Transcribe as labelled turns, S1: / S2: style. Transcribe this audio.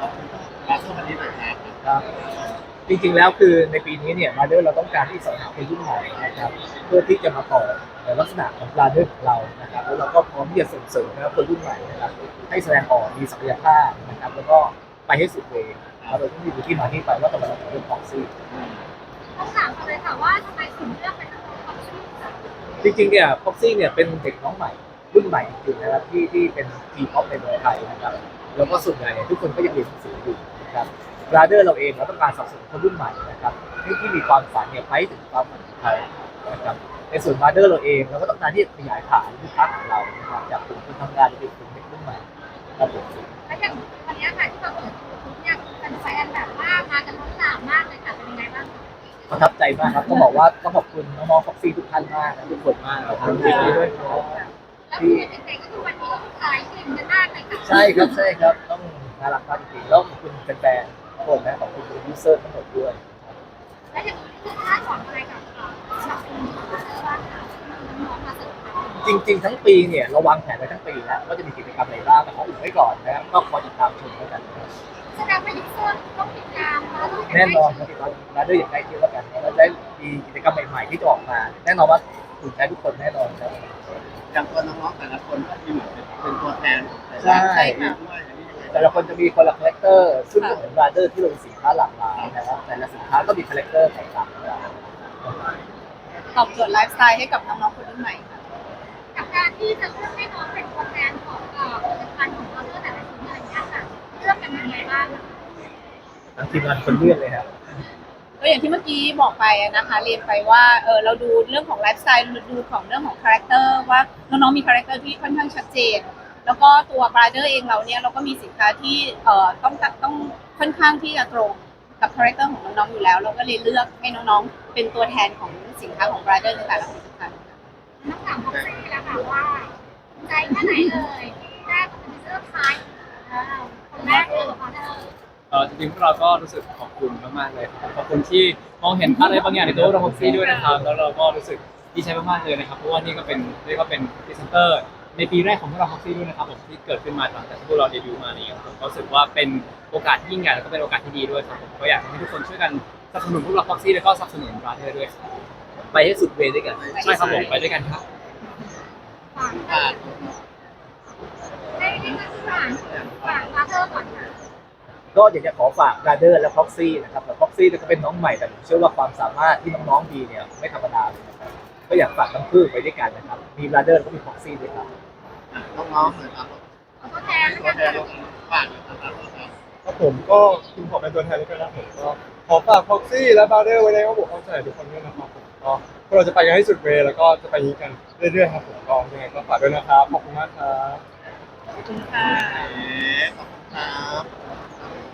S1: รับสวัสดีหน่อยครับ
S2: ครับจริงๆแล้วคือในปีนี้เนี่ยมาเดอร์เราต้องการที่สรรหาคนรุ่นใหม่นะครับเพื่อที่จะมาต่อในลักษณะของบราเดอร์ของเรานะครับแล้วเราก็พร้อมที่จะส่งเสริมนะครับคนรุ่นใหม่นะครับให้แสดงออกมีศักยภาพนะครับแล้วก็ไปให้สุดเวย์เราต้องมีที่มาที่ไปว่าทำไมเราถึงเลือกฟ็อกซี่
S3: ต้องถามกันเลยค่ะว่าทำไมถึงเลือกเป็นนักร้องความชื่อค่ะ
S2: จริงๆเนี่ยฟ็อกซี่เนี่ยเป็นเด็กน้องใหม่รุ่นใหม่จริงๆนะครับที่เป็นทีป๊อปในเมืองไทยนะครับแล้วก็ส่วนใหญ่เนี่ยทุกคนก็ยังเรียนหนังสืออยู่นะครับบราเดอร์เราเองเราต้องการสนับสนุนคนรุ่นใหม่นะครับที่มีความฝันเนี่ยไปถึงความฝันของเขานะครับในส่วนบราเดอร์เราเองเราก็ต้องการที่จะขยายฐานลูกค้าของเรานะครับจากกลุ่มคนทำงานไปเป็นกลุ่มเด็กรุ่นใหม่ครับผม
S3: และอย่างวันนี้ค่ะที่เราเปิดยูทูบเนี่ยเป็นแฟนแบบว่ามากันล้นหลามมากเลยค่ะเป็นยังไงบ้างคะ
S2: ประทับใจมากครับต้องบอกว่าต้องขอบคุณน้องๆฟ็อกซี่ทุกท่านมากนะทุกคนมากนะครับยินดีด้วยครับ
S3: แล้วคือเด็กๆก็คือวันนี้ก็คือขายกลิ่นกันมากเลยค่ะ
S2: ใช่ครับใช่ครับต้องน่ารักมากจริงๆแล้วขอบคุณแฟนๆทุกคนนะขอบคุณยูเซอร์ทั้งหมดด้วย
S3: และอย่างนี้คือคาดหวังอะไรกับชาวคนที่มาเจอบ้างค่ะน้องๆมาเสริมทัพ
S2: จริงๆทั้งปีเนี่ยเราวางแผนไว้ทั้งปีแล้วว่าจะมีกิจกรรมอะไรบ้างแต่ขออุบไว้ก่อนนะครับก็คอยติดตามชมแล้วกันนะครับ
S3: แสดงว่ายูเซอร์ต้องติดตามมาด้วยกัน
S2: แน่นอนค
S3: ได้
S2: รับติดตามมาด้วยอย่างใกล้ชิดแล้วกันเราได้มีกิจกรรมใหม่ๆที่จะออกมาแน่นอนว่าถูกใจทุกคนแน่นอนครับ
S1: อย่างตัวน้องๆแต่ละคนก็มีเหมือนเป็นตัวแทนของแต่ละ
S2: ใช่
S1: ด้วยอันนี้ยังไง
S2: แต่ละคนจะมีคนละคาแรคเตอร์ซึ่งก็เหมือนบราเดอร์ที่เรามีสินค้าหลากหลายนะครับแต่ละสินค้าก็มีคาแรคเตอร์แตกต่างกัน
S4: ตอบโจทย์ไลฟ์สไตล์ให้กับน้องๆคนรุ่นใหม่ค่ะ
S3: กับการที่จะเลือกให้น้องเป็นตัวแทนของผลิตภัณฑ์ของเราเลือกแต่ละชิ้นอะไรอย่างเงี้ยค่ะเลือกกันยังไงบ้างคะ
S2: ทั้งทีมงานคนเลือกเลยครับ
S4: ก็อย่างที่เมื่อกี้บอกไปนะคะเรียนไปว่าเราดูเรื่องของไลฟ์สไตล์ดูของเรื่องของคาแรคเตอร์ว่าน้องๆมีคาแรคเตอร์ที่ค่อนข้างชัดเจนแล้วก็ตัวบราเดอร์เองเราเนี่ยเราก็มีสินค้าที่ต้องค่อนข้างที่จะตรงกับคาแรคเตอร์ของน้องๆอยู่แล้วเราก็เลยเลือกให้น้องๆเป็นตัวแทนของสินค้าของบราเดอร์ในแต่ละผลิตภัณฑ์
S3: น้องถามพ็อกซี่แล้วค่ะว่าใจแค่ไหนเอ่ยแรกเป็นเสื้อคล้ายคนแรกเลยของเธอ
S5: จริงๆพวกเราก็รู้สึกขอบคุณมากๆเลยครับขอบคุณที่มองเห็นอะไรบางอย่างในตัวเราพ็อกซี่ด้วยนะครับแล้วเราก็รู้สึกดีใจมากๆเลยนะครับเพราะว่านี่ก็เป็นเรียกว่าเป็นพรีเซนเตอร์ในปีแรกของพวกเราพ็อกซี่ด้วยนะครับผมที่เกิดขึ้นมาหลังจากที่พวกเราเดบิวต์มานี่ครับผมก็รู้สึกว่าเป็นโอกาสที่ยิ่งใหญ่แล้วก็เป็นโอกาสที่ดีด้วยครับผมก็อยากให้ทุกคนช่วยกันสนับสนุนพวกเราพ็อกซี่แล้วก็สนับสนุนบราเธอร์ด้วยครับ
S2: ไปให้สุดเวย์ด้วยกัน
S5: ใช่ครับผมไปด้วยกันครับ
S3: ฝากให้ฝากมาเธอก่อนค่ะ
S2: ก็อยากจะขอฝากบราเดอร์และพ็อกซี่นะครับแต่พ็อกซี่ก็เป็นน้องใหม่แต่ผมเชื่อว่าความสามารถที่น้องๆมีเนี่ยไม่ธรรมดาเลยนะครับก็อยากฝากทั้งคู่ไปด้วยกันนะครับมีบราเดอร์แล้วก็มีพ็อกซี่ด้วยครับ
S1: น้องๆเลยครับ
S3: เอาตัวแทน
S1: ตัวแทน
S3: แล้ว
S1: เรา
S3: กัน
S1: ฝากเลยครับ
S6: ครับผมก็คุณขอเป็นตัวแทนแล้วกันนะผมก็ขอฝากพ็อกซี่และบาร์เดอร์ไว้ในข้อมูลความใส่ทุกคนด้วยนะครับผมก็พวกเราจะไปกันให้สุดเวย์แล้วก็จะไปนี้กันเรื่อยๆครับผมก็ยังไงก็ฝากด้วยนะครับขอบคุณมากครับ
S4: ขอบคุณค่ะ
S1: ขอบคุณครับ